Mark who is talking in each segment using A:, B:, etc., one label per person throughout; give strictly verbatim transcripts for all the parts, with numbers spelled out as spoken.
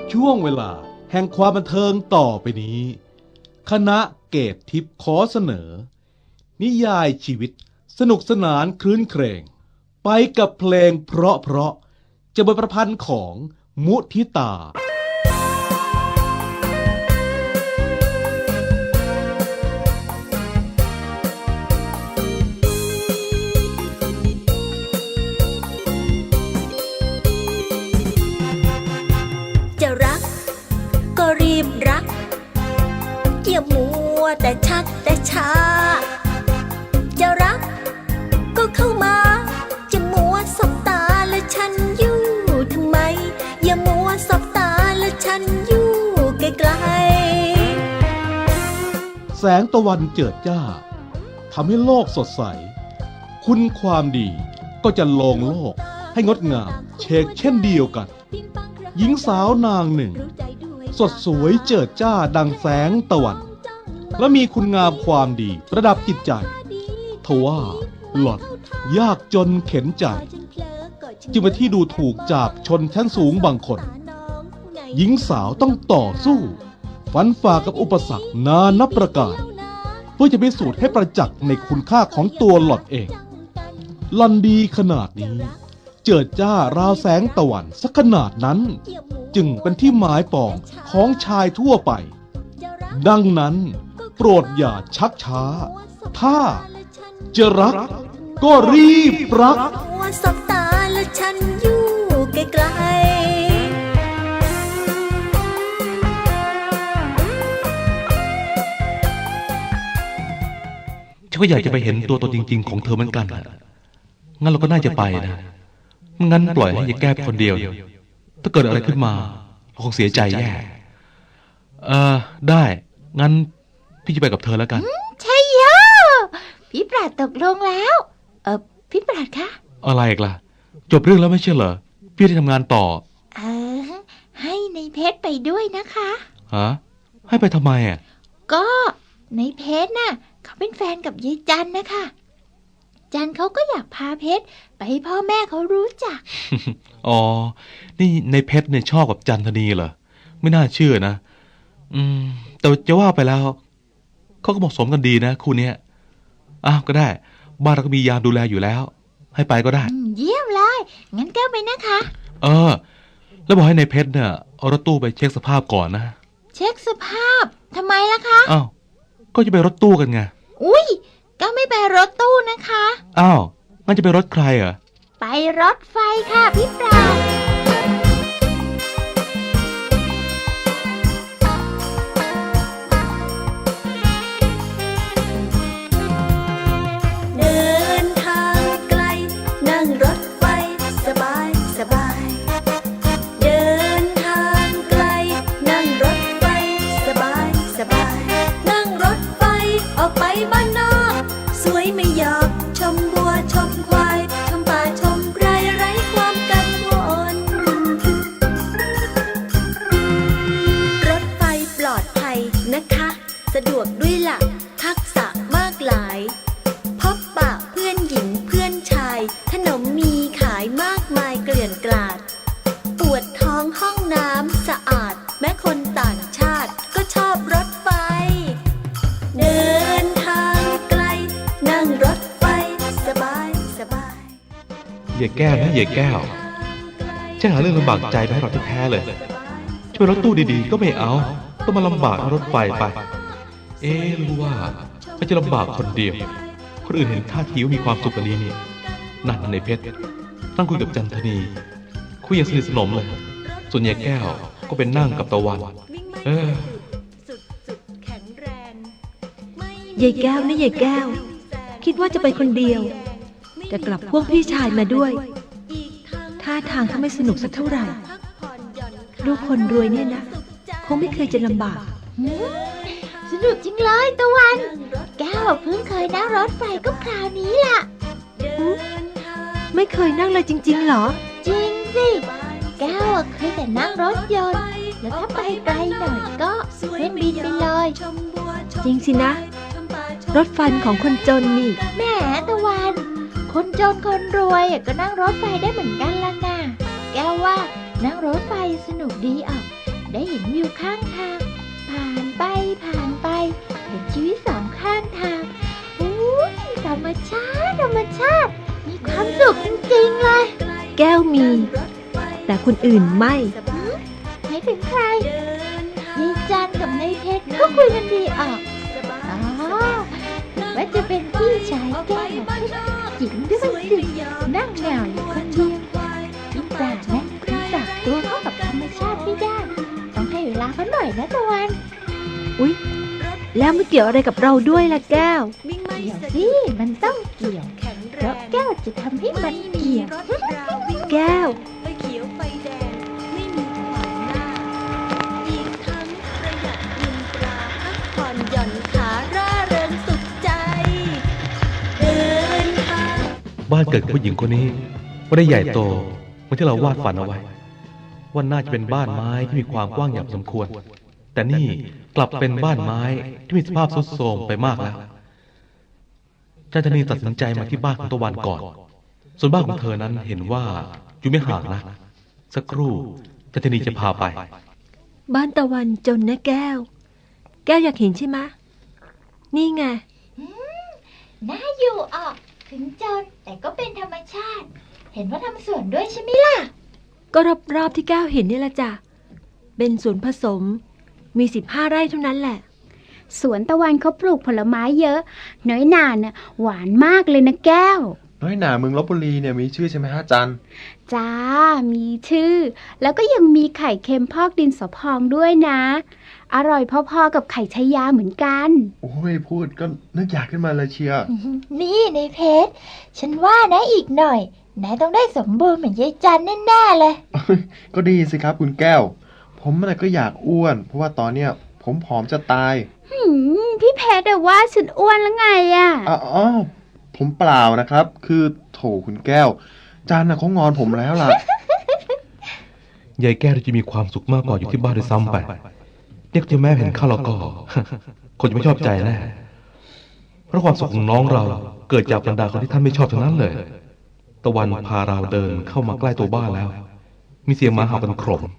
A: ช่วงเวลาแห่งความบันเทิงต่อไปนี้ คณะเกตทิพย์ขอเสนอ นิยายชีวิตสนุกสนานคลื้นเครงไปกับเพลงเพราะเพราะจะบทประพันธ์ของมุทิตา
B: รักอย่ามัวแต่ชักแต่ช้าจะรักก็เข้ามาจะมัวสบตาและฉันอยู่ทำไมอย่ามัวสบตาและฉันอยู่ไกล
A: ๆแสงตะวันเจิดจ้าทำให้โลกสดใสคุณความดีก็จะลงโลกให้งดงามเชกเช่นเดียวกันหญิงสาวนางหนึ่งสดสวยเจิดจ้าดังแสงตะวันและมีคุณงามความดีประดับจิตใจทว่าหล่อนยากจนเข็นใจจึงเป็นที่ดูถูกจากชนชั้นสูงบางคนหญิงสาวต้องต่อสู้ฟันฝ่ากับอุปสรรคนานับประการเพื่อจะพิสูจน์ให้ประจักษ์ในคุณค่าของตัวหล่อนเองหล่อนดีขนาดนี้เจิดจ้าราวแสงตะวันสักขนาดนั้นจึงเป็นที่หมายปองของชายทั่วไปดังนั้นโปรดอย่าชักช้าถ้าจะรักก็รีบรัก
B: สบตาและฉันอยู่ไกล
C: ฉันก็อยากจะไปเห็นตัวตนจริงๆของเธอเหมือนกันงั้นเราก็น่าจะไปนะไม่งั้นปล่อยให้ยายแก้คนเดียวถ้าเกิดอะไรขึ้นมาเราคงเสียใจแย่เออได้งั้นพี่จะไปกับเธอแล้วกัน
D: ใช่เยอะพี่ปราดตกลงแล้วเออพี่ปราดคะ
C: อะไรอีกล่ะจบเรื่องแล้วไม่ใช่เหรอพี่ได้ทำงานต่อ
D: เออให้ในเพชรไปด้วยนะคะ
C: ฮะให้ไปทำไมอ่ะ
D: ก็ในเพชรน่ะเขาเป็นแฟนกับยายจันนะคะจันเขาก็อยากพาเพชรไปให้พ่อแม่เขารู้จัก
C: อ๋อนี่ในเพชรเนี่ยชอบกับจันทนีเหรอไม่น่าเชื่อนะอืมแต่จะว่าไปแล้วเขาก็เหมาะสมกันดีนะคู่เนี้ยอ้าวก็ได้บ้านเราก็มียามดูแลอยู่แล้วให้ไปก็ได้
D: เยี่ยมเลยงั้นแก้วไปนะคะ
C: เออแล้วบอกให้ในเพชรเนี่ยเอารถตู้ไปเช็คสภาพก่อนนะ
D: เช็คสภาพทำไมล่ะคะ
C: อ้าวก็จะไปรถตู้กันไง
D: อุ้ยก็ไม่ไปรถตู้นะคะ
C: อ้าวงั้นจะไปรถใครเหรอ
D: ไปรถไฟค่ะพี่ปราบ
B: เดินทางไกลนั่งรถไฟสบายสบายเดินทางไกลนั่งรถไฟสบายสบายนั่งรถไฟออกไปบ้านนอกสวยไม่หยอกชมบัวชมควายชมป่าชมไรไร้ความกังวลรถไฟปลอดภัยนะคะสะดวกด้วยหลักทักษะมากหลายพบปะเพื่อนหญิงเพื่อนชายขนมมีขายมากมายเกลื่อนกลาดปวดท้องห้องน้ำสะอาดแม้คนต่างชาติก็ชอบรถไฟเดินทางไกลนั่งรถไฟสบายสบาย
C: อย่าแก้นะอย่าแก้วฉันหาเรื่องลำบากใจไปให้เราแท้ๆเลยช่วยรถตู้ดีๆก็ไม่เอาต้องมาลำบากรถไฟไปเอ๊ะรู้ว่าเขาจะลำบากคนเดียวคนอื่นเห็นท่าทีว่ามีความสุขกันดีนี่นั่นในเพชรนั่งคุยกับจันทนีคุยอย่างสนิทสนมเลยส่วนยายแก้วก็เป็นนั่งกับตะวันเอ
E: อยายแก้วนะยายแก้วคิดว่าจะไปคนเดียวแต่กลับพวกพี่ชายมาด้วยท่าทางถ้าไม่สนุกสักเท่าไหร่ลูกคนรวยเนี่ยนะคงไม่เคยจะลำบาก
D: สนุกจริงเลยตะวันแก้วเพิ่งเคยนั่งรถไฟก็คราวนี้ล่ะ
E: ไม่เคยนั่งเลยจริงๆเหรอ
D: จริงสิแก้วเคยแต่นั่งรถยนต์แล้วถ้าไปไกลหน่อยก็เครื่องบินไปเลย
E: จริงสินะรถไฟของคนจนนี่
D: แหมตะวันคนจนคนรวยก็นั่งรถไฟได้เหมือนกันล่ะนะแก้วว่านั่งรถไฟสนุกดีอ่ะได้เห็นวิวข้างทาง ผ่านไปผ่านไป เห็นชีวิตสองข้างทางอุ้ยธรรมชาติธรรมชาติ มีความสุขจริงๆเลย
E: แก้วมี แต่คนอื่นไม่
D: ไม่ถึงใครยายจันกับนายเพชรก็คุยกันดีออกอ๋อถึงว่าจะเป็นพี่ชายแก้วจิ๋งด้วยสินั่งเหงาอยู่คนเดียวพี่จ่านะคุณปรับตัวเข้ากับธรรมชาติไม่ได้ต้องให้เวลาเขาหน่อยนะตะวัน
E: อุ๊ย แล้วมันเกี่ยวอะไรกับเราด้วยล่ะแก้ว
D: เดี๋ยวสิมันต้องเกี่ยวเพราะแก้วจะทำให้มันเกี่ยว
E: แก้ว
B: ไฟเขียวไฟแดงไม่มีขวางหน้า อีกทั้งประหยัดเงินตราพักผ่อนหย่อนขาร่าเริงสุขใจ เดินทาง
C: บ้านเกิดของผู้หญิงคนนี้ไม่ได้ใหญ่โตเหมือนที่เราวาดฝันเอาไว้ว่าน่าจะเป็นบ้านไม้ที่มีความกว้างอย่างสมควร แต่นี่กลับเป็นบ้านไม้ที่มีสภาพทรุดโทรมไปมากแล้วจันทนีตัดสินใจมาที่บ้านของตะวันก่อน ส่วนบ้านของเธอนั้นเห็นว่าอยู่ไม่ห่างนะสักครู่จันทนีจะพาไป
E: บ้านตะวันจนนะแก้ว แก้วอยากเห็นใช่ไหมะนี่ไง
D: น่าอยู่ออกถึงจนแต่ก็เป็นธรรมชาติ เห็นว่าทำสวนด้วยใช่ไหมล่ะ
E: ก็รอบๆที่แก้วเห็นนี่แหละจ้ะ เป็นสวนผสม มีสิบห้าไร่เท่านั้นแหละ
F: สวนตะวันเขาปลูกผลไม้เยอะ น้อยหนาน่ะหวานมากเลยนะแก้ว
G: น้อยหนาเมืองลพบุรีเนี่ยมีชื่อใช่ไหมฮะจัน
F: จ้า มีชื่อ แล้วก็ยังมีไข่เค็มพอกดินสอพองด้วยนะ อร่อยพอๆกับไข่ชายาเหมือนกัน
G: โอ้ยพูดก็นึกอยากขึ้นมาเลยเชียร์
D: นี่ในเพชรฉันว่านะอีกหน่อยนายต้องได้สมบูรณ์เหมือนยายจันแน่ๆเลย
G: ก็ดีสิครับคุณแก้ว ผมน่ะก็อยากอ้วน เพราะว่าตอนเนี้ยผมผอมจะตาย
F: หืม พี่เพชรอะว่าฉันอ้วนแล้วไงอะ
G: อ๋ออ๋อผมเปล่านะครับ คือโถคุณแก้ว จันน่ะเขางอนผมแล้วล่ะ
C: ยายแก้วจะมีความสุขมากกว่าอยู่ที่บ้านด้วยซ้ำไปเรียกที่แม่เห็นข้าแล้วก็ คนจะไม่ชอบใจแน่เพราะความสุขของน้องเราเกิดจากบรรดาคนที่ท่านไม่ชอบทั้งนั้นเลย ตะวันพาเราเดินเข้ามาใกล้ตัวบ้านแล้ว มีเสียงหมาเห่ากันโครม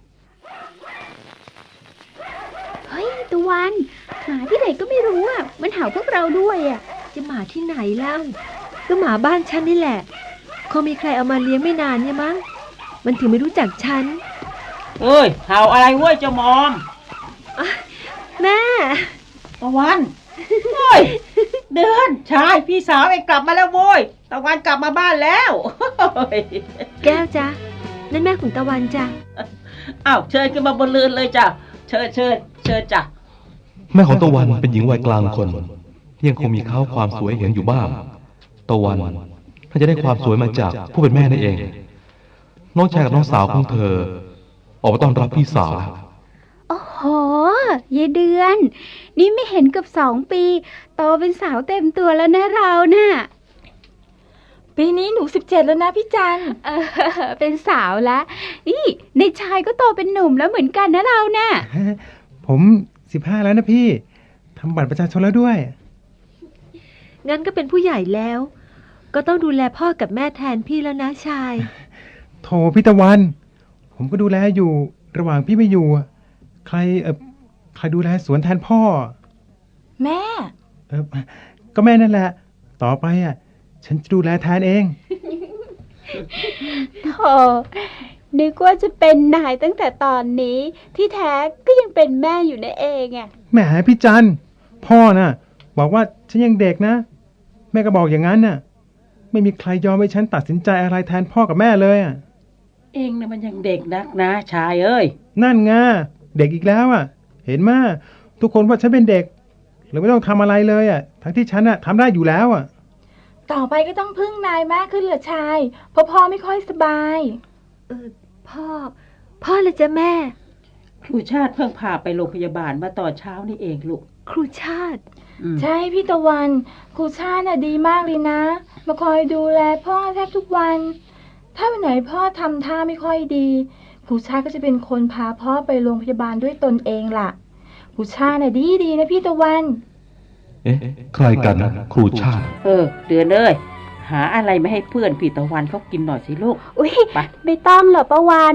F: เฮ้ยตะวันหมาที่ไหนก็ไม่รู้อะมันเห่าพวกเราด้วยอะ
E: จะหมาที่ไหนเล่าก็หมาบ้านฉันนี่แหละคงมีใครเอามาเลี้ยงไม่นานเนี่ยมั้ง มันถึงไม่รู้จักฉัน
H: เอ้ยเห่าอะไรเว้ยเจ้ามอม
E: แม่
H: ตะวันเฮ้ยเดือนชายพี่สาวเองกลับมาแล้วโว้ยตะวันกลับมาบ้านแล้วเฮ้ย
E: แก้วจ้ะนั่นแม่ของตะวันจ้ะ
H: อ้าวเชิญขึ้นมาบนเรือนเลยจ้ะเชิญเชิญเชิญจ้ะ
C: แม่ของตะวันเป็นหญิงวัยกลางคนยังคงมีเขาความสวยเห็นอยู่บ้างตะวันน่าจะได้ความสวยมาจากผู้เป็นแม่นั่นเอง น้องชายกับน้องสาวของเธอ ออกมาต้อนรับพี่สาวแล้ว
F: โอ้โหยายเดือน นี่ไม่เห็นเกับสองปี โตเป็นสาวเต็มตัวแล้วนะเราน่ะ
E: ปีนี้หนูสิบเจ็ดแล้วนะพี่จัน
F: เออเป็นสาวแล้วนี่ในชายก็โตเป็นหนุ่มแล้วเหมือนกันนะเราน่ะ
I: ผมสิบห้าแล้วนะพี่ ทำบัตรประชาชนแล้วด้วย
E: งั้นก็เป็นผู้ใหญ่แล้ว ก็ต้องดูแลพ่อกับแม่แทนพี่แล้วนะชาย
I: โถพี่ตะวัน ผมก็ดูแลอยู่ ระหว่างพี่ไม่อยู่อะใครเออใครดูแลสวนแทนพ่อ
E: แม่
I: เออก็แม่นั่นแหละ ต่อไปอ่ะ ฉันจะดูแลแทนเอง
F: โธ่นึกว่าจะเป็นนายตั้งแต่ตอนนี้ ที่แท้ก็ยังเป็นแม่อยู่นั่นเองอ่ะ
I: แหมพี่จันพ่อน่ะ บอกว่าฉันยังเด็กนะ แม่ก็บอกอย่างนั้นน่ะ ไม่มีใครยอมให้ฉันตัดสินใจอะไรแทนพ่อกับแม่เลยอ่ะ
H: เองน่ะมันยังเด็กนักนะชายเอ้ย
I: นั่นไงเด็กอีกแล้วอ่ะ เห็นมาทุกคนว่าฉันเป็นเด็กเลยไม่ต้องทำอะไรเลยอ่ะ ทั้งที่ฉันอ่ะทำได้อยู่แล้วอ่ะ
J: ต่อไปก็ต้องพึ่งนายมากขึ้นเหรอชาย เพราะพ่อไม่ค่อยสบาย
E: เออพ่อ พ่อเลยจ้ะแม่
H: ครูชาติเพิ่งพาไปโรงพยาบาลมาตอนเช้านี่เองลูก
E: ครูชาติ
H: อืม
J: ใช่พี่ตะวันครูชาติน่ะดีมากเลยนะ มาคอยดูแลพ่อแทบทุกวัน ถ้าวันไหนพ่อทำท่าไม่ค่อยดีครูชาติก็จะเป็นคนพาพ่อไปโรงพยาบาลด้วยตนเองล่ะครูชาติน่ะดีดีนะพี่ตะวัน
C: เอ๊ะใครกันนะครูชาติ
H: เออเดือนเอ้ยหาอะไรมาให้เพื่อนพี่ตะวันเขากินหน่อยสิลูก
F: อุ๊ย
H: ไป
F: ไม่ต้องหรอกป้าวัน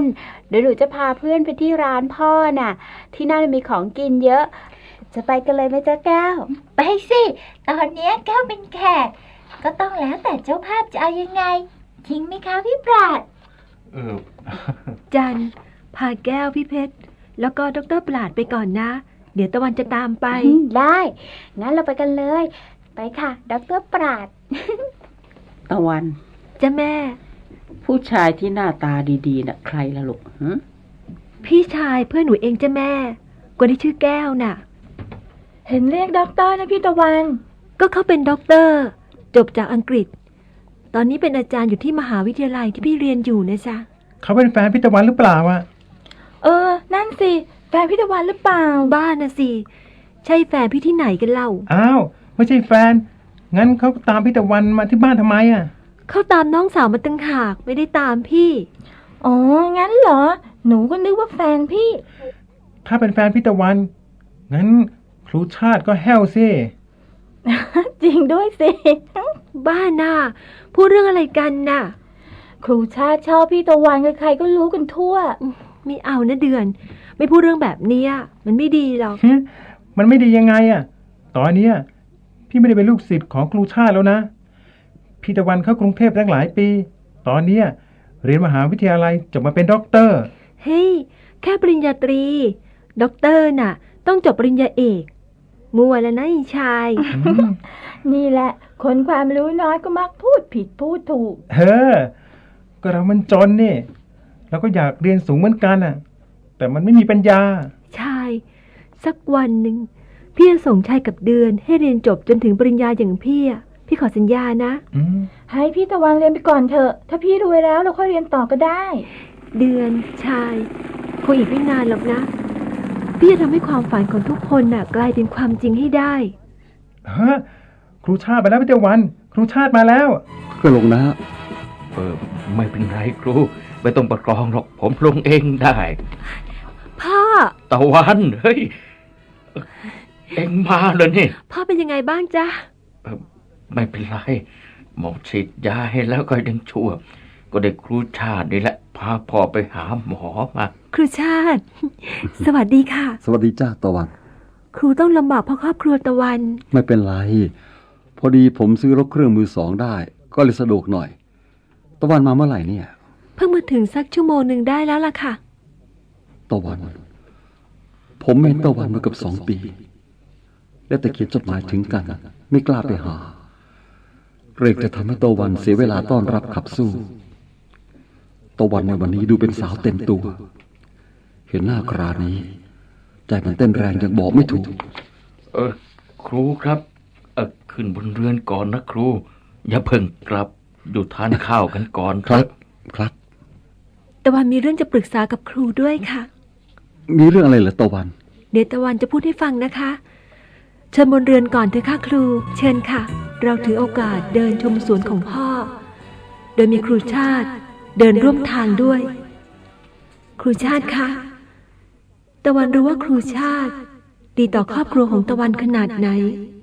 F: เดี๋ยวหนูจะพาเพื่อนไปที่ร้านพ่อน่ะ ที่นั่นมีของกินเยอะ จะไปกันเลยไหมจ๊ะแก้ว
D: ไปสิ ตอนเนี้ยแก้วเป็นแขก ก็ต้องแล้วแต่เจ้าภาพจะเอายังไงจริงไหมคะพี่ปราด
C: เออ
E: จันพาแก้วพี่เพชรแล้วก็ดรปราดไปก่อนนะ เดี๋ยวตะวันจะตามไป
F: อืมได้ งั้นเราไปกันเลย ไปค่ะดรปราด
H: ตะวัน
E: จ้ะแม่
H: ผู้ชายที่หน้าตาดีๆน่ะใครล่ะลูกหึ
E: พี่ชายเพื่อนหนูเองจ้ะแม่คนที่ชื่อแก้วน่ะ
J: เห็นเรียกด็อกเตอร์นะพี่ตะวัน
E: ก็เขาเป็นด็อกเตอร์ จบจากอังกฤษ ตอนนี้เป็นอาจารย์อยู่ที่มหาวิทยาลัยที่พี่เรียนอยู่นะจ๊ะ
I: เขาเป็นแฟนพี่ตะวันหรือเปล่าวะ
J: เออ นั่นสิแฟนพี่ตะวันหรือเปล่า
E: บ้านนะสิ ใช่แฟนพี่ที่ไหนกันเล่า
I: อ้าว ไม่ใช่แฟน งั้นเขาตามพี่ตะวันมาที่บ้านทำไมอ่ะ
E: เขาตามน้องสาวมาตั้งหากไม่ได้ตามพี่
J: อ๋อ งั้นเหรอ หนูก็นึกว่าแฟนพี่
I: ถ้าเป็นแฟนพี่ตะวัน งั้นครูชาติก็แห้วซิ
J: จริงด้วยสิ
E: บ้าน่ะพูดเรื่องอะไรกันน่ะ
J: ครูชาติชอบพี่ตะวันใครๆก็รู้กันทั่ว
E: ไม่เอานะเดือน ไม่พูดเรื่องแบบเนี้ยมันไม่ดีหรอก
I: หึมันไม่ดียังไงอ่ะ ตอนเนี้ยพี่ไม่ได้เป็นลูกศิษย์ของครูชาติแล้วนะ พี่ตะวันเข้ากรุงเทพตั้งหลายปี ตอนเนี้ยเรียนมหาวิทยาลัยจบมาเป็นด็อกเตอร์
E: เฮ้ย แค่ปริญญาตรี ด็อกเตอร์น่ะ ต้องจบปริญญาเอก มัวแล้วนะไอ้ชาย
I: อืม
J: นี่แหละ คนความรู้น้อยก็มักพูดผิดพูดถูก
I: เออ ก็เรามันจนนี่เราก็อยากเรียนสูงเหมือนกันอ่ะ แต่มันไม่มีปัญญา
E: ชาย สักวันหนึ่งพี่จะส่งชายกับเดือนให้เรียนจบจนถึงปริญญาอย่างพี่อะพี่ขอสัญญานะ
I: อืม
J: ให้พี่ตะวันเรียนไปก่อนเถอะ ถ้าพี่รวยแล้วเราค่อยเรียนต่อก็ได้
E: เดือนชายคงอีกไม่นานหรอกนะ พี่จะทำให้ความฝันของทุกคนน่ะ กลายเป็นความจริงให้ได้
I: ฮะ ครูชาติไปแล้วพี่ตะวัน ครูชาติมาแล้ว
K: ก็ลงนะ
C: เออ ไม่เป็นไรครู ไม่ต้องประคองหรอก ผมลงเองได้
E: พ่อ
C: ตะวัน เฮ้ย เอ็งมาเลยนี่
E: พ่อเป็นยังไงบ้างจ๊ะ
C: เออไม่เป็นไร หมอฉีดยาให้แล้วก็ยังชั่ว ก็ได้ครูชาตินี่แหละ พาพ่อไปหาหมอมา
E: ครูชาติ สวัสดีค่ะ
K: สวัสดีจ้าตะวัน
E: ครูต้องลำบากเพราะครอบครัวตะวัน
K: ไม่เป็นไร พอดีผมซื้อรถเครื่องมือสองได้ ก็เลยสะดวกหน่อย ตะวันมาเมื่อไหร่เนี่ย
E: เพิ่งมาถึงสักชั่วโมงหนึ่งได้แล้วล่ะค่ะ
K: ตะวัน ผมไม่เห็นตะวันมาเกับสองปี และแต่เขียนจดหมายถึงกัน ไม่กล้าไปหาเกรงจะทำให้ตะวันเสียเวลาต้อนรับขับสู้ตะวันในวันนี้ดูเป็นสาวเต็มตัว เห็นหน้าครานี้ ใจมันเต้นแรงยังบอกไม่ถูก
C: เออ ครูครับ เออขึ้นบนเรือนก่อนนะครู อย่าเพิ่งกลับ อยู่ทานข้าวกันก่อน
K: ครับ ครับ
E: ตะวันมีเรื่องจะปรึกษากับครูด้วยค่ะ
K: มีเรื่องอะไรเหรอตะวัน
E: เดี๋ยวตะวันจะพูดให้ฟังนะคะ เชิญบนเรือนก่อนเถอะค่ะครู เชิญค่ะ เราถือโอกาสเดินชมสวนของพ่อ โดยมีครูชาติเดินร่วมทางด้วย ครูชาติคะตะวันรู้ว่าครูชาติดีต่อครอบครัวของตะวันขนาดไหน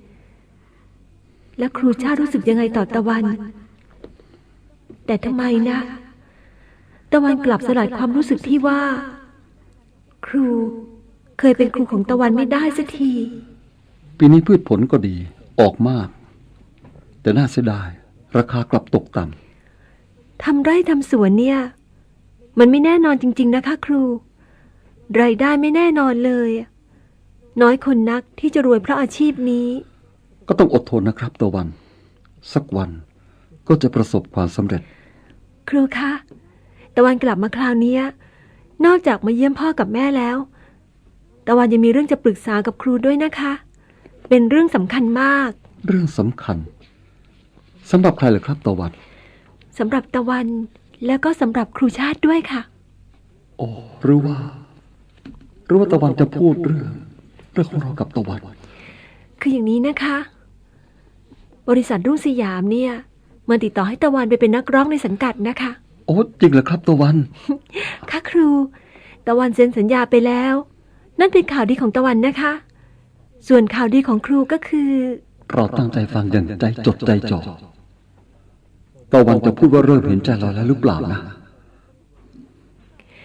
E: และครูชาติรู้สึกยังไงต่อตะวัน แต่ทำไมนะ ตะวันกลับสลัดความรู้สึกที่ว่า ครูเคยเป็นครูของตะวันไม่ได้สักที
K: ปีนี้พืชผลก็ดีออกมาก แต่น่าเสียดายราคากลับตกต่ำ
E: ทำไร่ทำสวนเนี่ย มันไม่แน่นอนจริงๆนะคะครู รายได้ไม่แน่นอนเลย น้อยคนนักที่จะรวยเพราะอาชีพนี้
K: ก็ต้องอดทนนะครับตะวัน สักวันก็จะประสบความสำเร็จ
E: ครูคะตะวันกลับมาคราวนี้นอกจากมาเยี่ยมพ่อกับแม่แล้วตะวันยังมีเรื่องจะปรึกษากับครูด้วยนะคะ เป็นเรื่องสำคัญมาก
K: เรื่องสำคัญสำหรับใครเหรอครับตะวัน
E: สำหรับตะวันแล้วก็สำหรับครูชาติด้วยค่ะ
K: โอ้หรือว่าหรือว่าตะวันจะพูดเรื่องเรื่องของเรากับตะวัน
E: คืออย่างนี้นะคะ บริษัทรุ่งสยามเนี่ยมาติดต่อให้ตะวันไปเป็นนักร้องในสังกัดนะคะ
K: โอ้จริงเหรอครับตะวัน
E: ค่ะครูตะวันเซ็นสัญญาไปแล้ว นั่นเป็นข่าวดีของตะวันนะคะ ส่วนข่าวดีของครูก็คือ
K: เราตั้งใจฟังอย่างใจจดใจจ่อตะวันจะพูดว่าเริ่มเห็นใจเราแล้วหรือเปล่านะ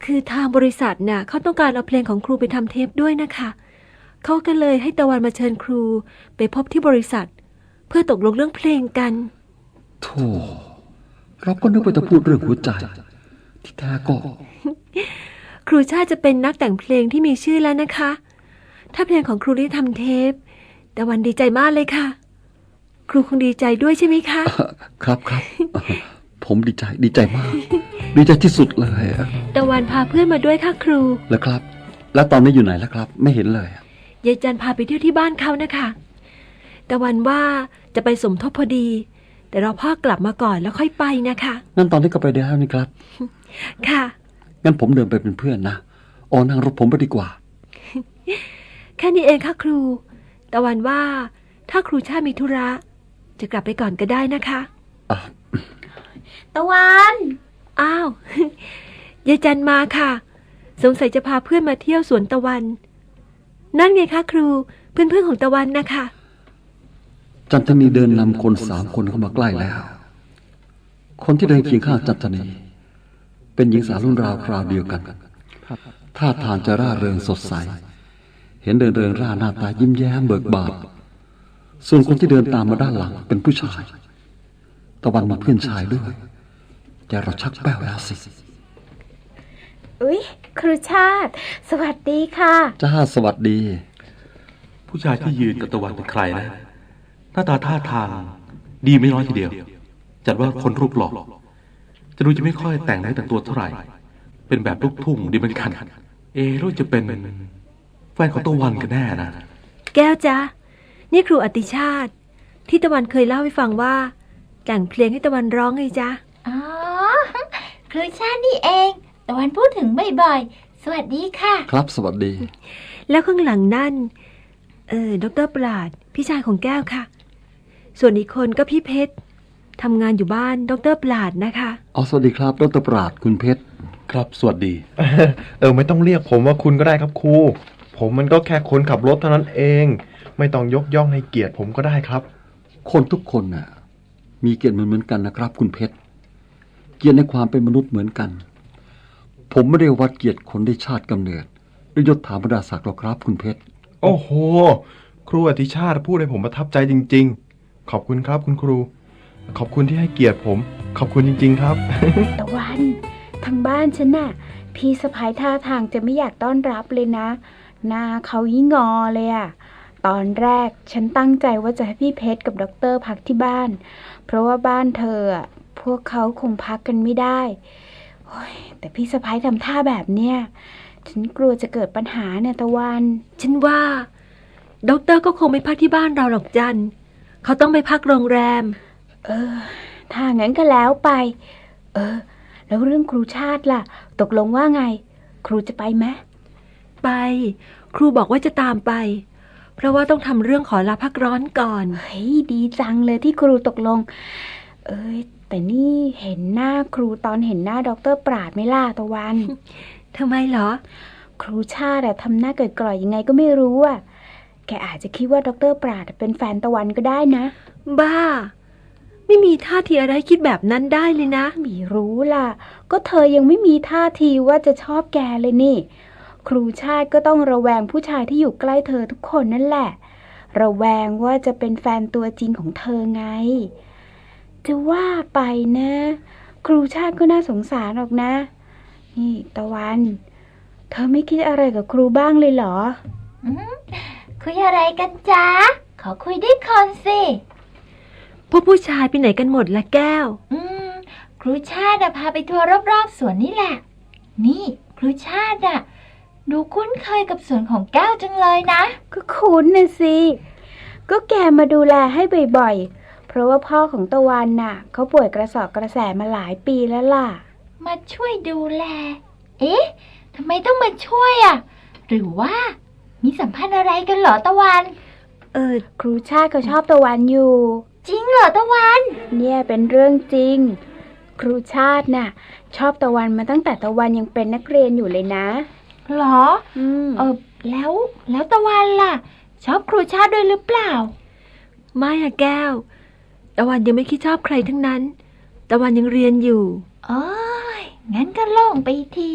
E: คือทางบริษัทน่ะเขาต้องการเอาเพลงของครูไปทำเทปด้วยนะคะเขาก็เลยให้ตะวันมาเชิญครูไปพบที่บริษัท เพื่อตกลงเรื่องเพลงกัน
K: โธ่เราก็นึกว่าจะพูดเรื่องหัวใจที่แท้ก็
E: ครูชาติจะเป็นนักแต่งเพลงที่มีชื่อแล้วนะคะ ถ้าเพลงของครูได้ทำเทปตะวันดีใจมากเลยค่ะครูคงดีใจด้วยใช่ไหมคะ
K: ครับครับ ผมดีใจดีใจมาก ดีใจที่สุดเลย
E: ตะวันพาเพื่อนมาด้วยค่ะครู
K: แล้วครับแล้วตอนนี้อยู่ไหนแล้วครับไม่เห็นเลย
E: ยายจันพาไปเที่ยวที่บ้านเขานะคะตะวันว่าจะไปสมทบพอดีแต่รอพ่อกลับมาก่อนแล้วค่อยไปนะคะ
K: งั้นตอนนี้ก็ไปได้แล้วนี่ครับ
E: ค่ะ
K: งั้นผมเดินไปเป็นเพื่อนนะอ๋อนั่งรถผมไปดีกว่า
E: แค่นี้เองค่ะครูตะวันว่าถ้าครูชาติมีธุระจะกลับไปก่อนก็ได้นะคะ
F: ตะวัน
E: อ้าว ยายจันมาค่ะสงสัยจะพาเพื่อนมาเที่ยวสวนตะวันนั่นไงคะครูเพื่อนๆของตะวันนะคะ
K: จันทนีเดินนำคนสามคนเข้ามาใกล้แล้วคนที่เดินเคียงข้างจันทนีเป็นหญิงสาวรุ่นราวคราวเดียวกันท่าทางจะร่าเริงสดใสเห็นเดินเริงร่าหน้าตายิ้มแย้มเบิกบานส่วนคนที่เดินตามมาด้านหลังเป็นผู้ชายตะวันมีเพื่อนชายด้วยแต่เราชักแป้วแล้วสิ
F: อุ๊ยครูชาติสวัสดีค่ะ
K: จ้าสวัสดี
C: ผู้ชายที่ยืนกับตะวันเป็นใครนะหน้าตาท่าทางดีไม่น้อยทีเดียวจัดว่าคนรูปหล่อจะดูจะไม่ค่อยแต่งเนื้อแต่งตัวเท่าไหร่เป็นแบบลูกทุ่งดีเหมือนกันเอรู้จะเป็นแฟนของตะวันกันแน่นะ
E: แก้วจ๊ะนี่ครูอติชาติที่ตะวันเคยเล่าให้ฟังว่าแต่งเพลงให้ตะวันร้องไงจ๊ะ
D: อ๋อครูชาตินี่เองตะวันพูดถึงบ่อยๆสวัสดีค่ะ
K: ครับสวัสดี
E: แล้วข้างหลังนั่นเออดร.ปราดพี่ชายของแก้วค่ะส่วนอีกคนก็พี่เพชรทำงานอยู่บ้านดร.ปราดนะคะ
K: อ๋อสวัสดีครับดร.ปราดคุณเพชร
C: ครับสวัสดี
G: เออไม่ต้องเรียกผมว่าคุณก็ได้ครับครูผมมันก็แค่คนขับรถเท่านั้นเองไม่ต้องยกย่องให้เกียรติผมก็ได้ครับ
K: คนทุกคนน่ะมีเกียรติเหมือนๆกันนะครับคุณเพชรเกียรติในความเป็นมนุษย์เหมือนกันผมไม่ได้วัดเกียรติคนด้วยชาติกำเนิดหรือยศถาบรรดาศักดิ์หรอกครับคุณเพชร
G: โอ้โหครูอติชาติพูดให้ผมประทับใจจริงๆขอบคุณครับคุณครูขอบคุณที่ให้เกียรติผมขอบคุณจริงๆครับ
F: ตะวันทางบ้านฉันน่ะพี่สะพ้ายท่าทางจะไม่อยากต้อนรับเลยนะหน้าเขายิ่งงอเลยอะตอนแรกฉันตั้งใจว่าจะให้พี่เพชรกับด็อกเตอร์พักที่บ้านเพราะว่าบ้านเธออะพวกเขาคงพักกันไม่ได้โอ้ยแต่พี่สะพ้ายทำท่าแบบเนี้ยฉันกลัวจะเกิดปัญหาเนี่ยตะวัน
E: ฉันว่าด็อกเตอร์ก็คงไม่พักที่บ้านเราหรอกจันเขาต้องไปพักโรงแรม
F: เออถ้างั้นก็แล้วไปเออแล้วเรื่องครูชาติล่ะตกลงว่าไงครูจะไปไหม
E: ไปครูบอกว่าจะตามไปเพราะว่าต้องทำเรื่องขอลาพักร้อนก่อน
F: เฮ้ยดีจังเลยที่ครูตกลงเอ้ยแต่นี่เห็นหน้าครูตอนเห็นหน้าด็อกเตอร์ปราดไม่ล่ะตะวัน
E: ทำไมเหรอ
F: ครูชาติทำหน้าเกิดกร่อยยังไงก็ไม่รู้อ่ะแกอาจจะคิดว่าด็อกเตอร์ปราดเป็นแฟนตะวันก็ได้นะ
E: บ้าไม่มีท่าทีอะไรคิดแบบนั้นได้เลยนะ
F: ไม่รู้ล่ะก็เธอยังไม่มีท่าทีว่าจะชอบแกเลยนี่ครูชาติก็ต้องระแวงผู้ชายที่อยู่ใกล้เธอทุกคนนั่นแหละระแวงว่าจะเป็นแฟนตัวจริงของเธอไงจะว่าไปนะครูชาติก็น่าสงสารหรอกนะนี่ตะวันเธอไม่คิดอะไรกับครูบ้างเลยเหรอ
D: คุยอะไรกันจ๊ะขอคุยด้วยคนสิ
E: พวกผู้ชายไปไหนกันหมดละแก้ว
D: อืมครูชาติพาไปทัวร์รอบๆสวนนี่แหละนี่ครูชาติอะดูคุ้นเคยกับสวนของแก้วจังเลยนะ
F: ก็คุ้นนะสิก็แกมาดูแลให้บ่อยๆเพราะว่าพ่อของตะวันน่ะเขาป่วยกระสอบกระแสมาหลายปีแล้วล่ะ
D: มาช่วยดูแลเอ๊ะทำไมต้องมาช่วยอะหรือว่ามีสัมพันธ์อะไรกันเหรอตะวัน
F: เออครูชาติเขาชอบตะวันอยู่
D: จริงเหรอตะวัน
F: เนี่ยเป็นเรื่องจริงครูชาติน่ะชอบตะวันมาตั้งแต่ตะวันยังเป็นนักเรียนอยู่เลยนะ
D: หรออืมเออแล้วแล้วตะวันล่ะชอบครูชาติด้วยหรือเปล่า
E: ไม่อะแก้วตะวันยังไม่คิดชอบใครทั้งนั้นตะวันยังเรียนอยู่
D: อ๋องั้นก็โล่งไปทีพ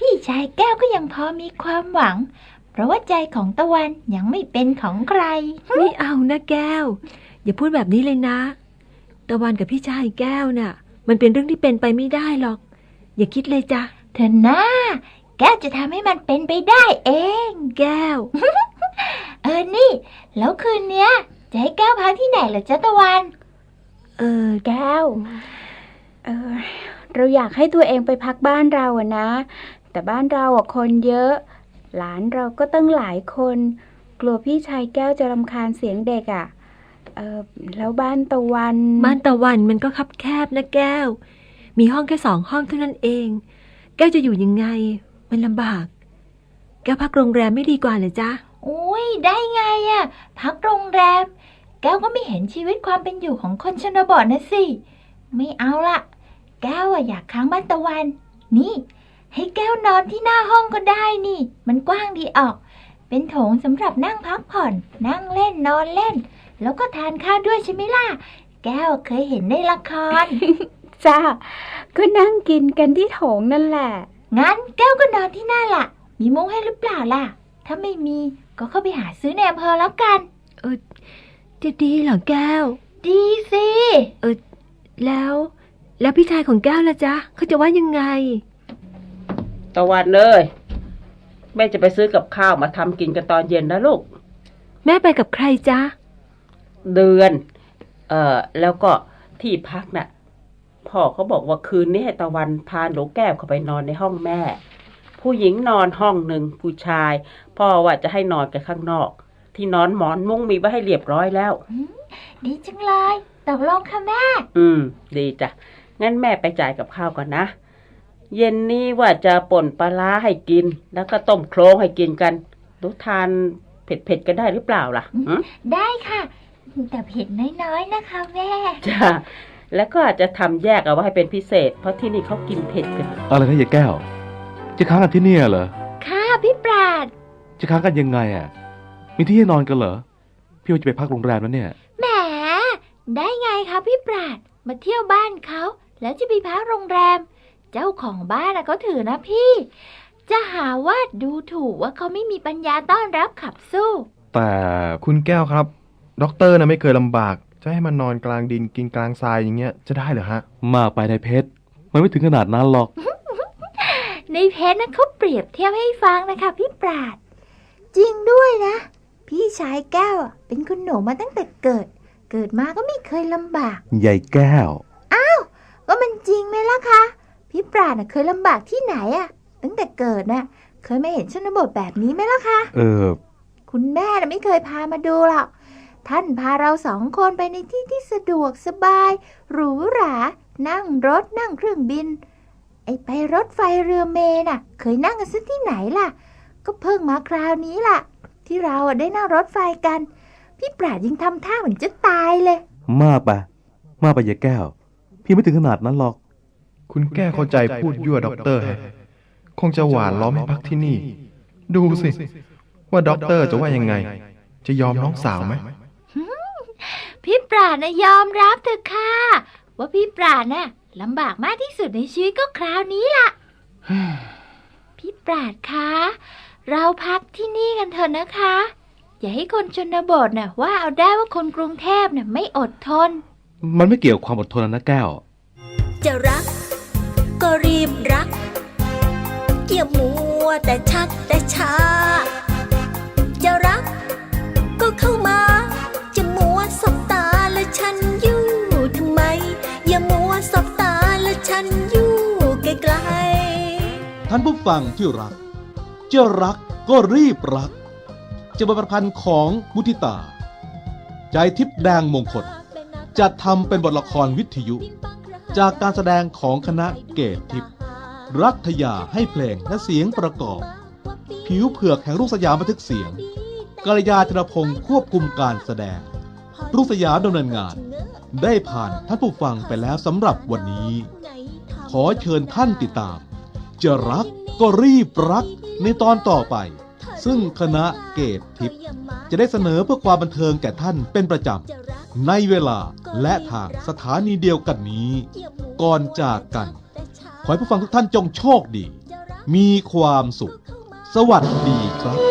D: พี่ชายแก้วก็ยังพอมีความหวัง เพราะว่าใจของตะวันยังไม่เป็นของใคร
E: ไม่เอานะแก้ว อย่าพูดแบบนี้เลยนะ ตะวันกับพี่ชายแก้วน่ะ มันเป็นเรื่องที่เป็นไปไม่ได้หรอก อย่าคิดเลยจ้ะ
D: เธอหน้าแก้วจะทำให้มันเป็นไปได้เอง
E: แก้ว
D: เออนี่ แล้วคืนเนี้ยจะให้แก้วพักที่ไหนเหรอจ๊ะตะวัน
E: เออ
F: แก้ว เออ เราอยากให้ตัวเองไปพักบ้านเราอะนะ แต่บ้านเราอะคนเยอะ หลานเราก็ตั้งหลายคน กลัวพี่ชายแก้วจะรำคาญเสียงเด็กอะเออแล้วบ้านตะวัน
E: บ้านตะวันมันก็คับแคบนะแก้ว มีห้องแค่สองห้องเท่านั้นเอง แก้วจะอยู่ยังไง มันลำบาก แก้วพักโรงแรมไม่ดีกว่าเหรอจ๊ะ
D: อุ้ยได้ไงอะพักโรงแรม แก้วก็ไม่เห็นชีวิตความเป็นอยู่ของคนชนบทนะสิ ไม่เอาละแก้วอะอยากค้างบ้านตะวัน นี่ ให้แก้วนอนที่หน้าห้องก็ได้นี่ มันกว้างดีออก เป็นโถงสำหรับนั่งพักผ่อน นั่งเล่นนอนเล่น แล้วก็ทานข้าวด้วยใช่ไหมล่ะ แก้วเคยเห็นในละคร
F: จ้าก็นั่งกินกันที่โถงนั่นแหละ
D: งั้นแก้วก็นอนที่หน้าล่ะ มีมุ้งให้หรือเปล่าล่ะ ถ้าไม่มีก็เข้าไปหาซื้อในอำเภอแล้วกัน
E: เออจะดีเหรอแก้ว
D: ดีสิ
E: เออแล้ว แล้วพี่ชายของแก้วล่ะจ๊ะเขาจะว่ายังไง
H: ตะวันเลยแม่จะไปซื้อกับข้าวมาทำกินกันตอนเย็นนะลูก
E: แม่ไปกับใครจ๊ะ
H: เดือน เอ่อ แล้วก็ที่พักน่ะ พ่อเขาบอกว่าคืนนี้ให้ตะวันพาหนูแก้วเข้าไปนอนในห้องแม่ ผู้หญิงนอนห้องหนึ่งผู้ชาย พ่อว่าจะให้นอนกันข้างนอก ที่นอนหมอนมุ้งมีไว้ให้เรียบร้อยแล้ว
D: ดีจังเลยตกลงค่ะแม่
H: อืม ดีจ้ะ งั้นแม่ไปจ่ายกับข้าวก่อนนะ เย็นนี้ว่าจะป่นปลาร้าให้กิน แล้วก็ต้มโครงให้กินกันหนูทานเผ็ดๆกันได้หรือเปล่าล่ะ
D: ได้ค่ะ แต่เผ็ดน้อยๆนะคะแม่
H: จ้ะ แล้วก็อาจจะทำแยกเอาไว้ให้เป็นพิเศษ เพราะที่นี่เขากินเผ็ดกัน
C: อะไรนะยายแก้ว จะค้างกันที่เนี่ยเหรอ
D: ค่ะพี่ปราด
C: จะค้างกันยังไงอ่ะ มีที่ให้นอนกันเหรอ พี่ว่าจะไปพักโรงแรมแล้วเนี่ย
D: แหมได้ไงคะพี่ปราด มาเที่ยวบ้านเขาแล้วจะไปพักโรงแรม เจ้าของบ้านเขาถือนะพี่ จะหาว่าดูถูกว่าเขาไม่มีปัญญาต้อนรับขับสู้
G: แต่คุณแก้วครับด็อกเตอร์นะไม่เคยลำบาก จะให้มันนอนกลางดินกินกลางทรายอย่างเงี้ยจะได้เหรอฮะ
C: มาไปในเพชรมันไม่ถึงขนาดนั้นหรอก
D: ในเพจนะเขาเปรียบเทียบให้ฟังนะคะพี่ปราด จริงด้วยนะ พี่ชายแก้วเป็นคุณหนูมาตั้งแต่เกิด เกิดมาก็ไม่เคยลำบาก
C: ยายแก้ว
D: อ้าวก็มันจริงไหมล่ะคะพี่ปราดน่ะเคยลำบากที่ไหนอะตั้งแต่เกิดน่ะเคยไม่เห็นชนบทแบบนี้ไหมล่ะคะ
C: เออ
D: คุณแม่น่ะไม่เคยพามาดูหรอกท่านพาเราสองคนไปในที่ที่สะดวกสบายหรูหรานั่งรถนั่งเครื่องบินไอ้ไปรถไฟเรือเมล์น่ะเคยนั่งกันซะที่ไหนล่ะก็เพิ่งมาคราวนี้ล่ะที่เราได้นั่งรถไฟกันพี่ปราดยังทำท่าเหมือนจะตายเลย
C: มากไปมากไปยายแก้ว พี่ไม่ถึงขนาดนั้นหรอก
G: คุณแก้วเข้าใจพูดยั่วด็อกเตอร์ฮะคงจะหวานล้อมให้พักที่นี่ ดูสิ ว่าด็อกเตอร์จะว่ายังไง จะยอมน้องสาวไหม
D: พี่ปราดนะยอมรับเถอะค่ะว่าพี่ปราดน่ะลำบากมากที่สุดในชีวิตก็คราวนี้ล่ะ พี่ปราดคะเราพักที่นี่กันเถอะนะคะ อย่าให้คนชนบทน่ะว่าเอาได้ว่าคนกรุงเทพน่ะไม่อดทน
C: มันไม่เกี่ยวกับความอดทนนะแก้ว
B: จะรักก็รีบรักอย่ามัวแต่ชักแต่ช้าจะรักก็เข้ามาจะมัวสบตาและฉันอยู่ทำไมอย่ามัวสบตาและฉันอยู่ไกลๆ
A: ท่านผู้ฟังที่รักจะรักก็รีบรักจะบทประพันธ์ของมุทิตา ใจทิพย์แดงมงคลจะทำเป็นบทละครวิทยุ จากการแสดงของคณะเกตทิพย์รัฐยาให้เพลงและเสียงประกอบ ผิวเผือกแห่งรุ่งสยามบันทึกเสียงกัลยาธนพงศ์ควบคุมการแสดงรุ่งสยามดำเนินงานได้ผ่านท่านผู้ฟังไปแล้วสำหรับวันนี้ ขอเชิญท่านติดตามจะรักก็รีบรักในตอนต่อไปซึ่งคณะเกตทิพย์จะได้เสนอเพื่อความบันเทิงแก่ท่านเป็นประจำในเวลาและทางสถานีเดียวกันนี้ก่อนจากกันขอให้ผู้ฟังทุกท่านจงโชคดีมีความสุข สวัสดีครับ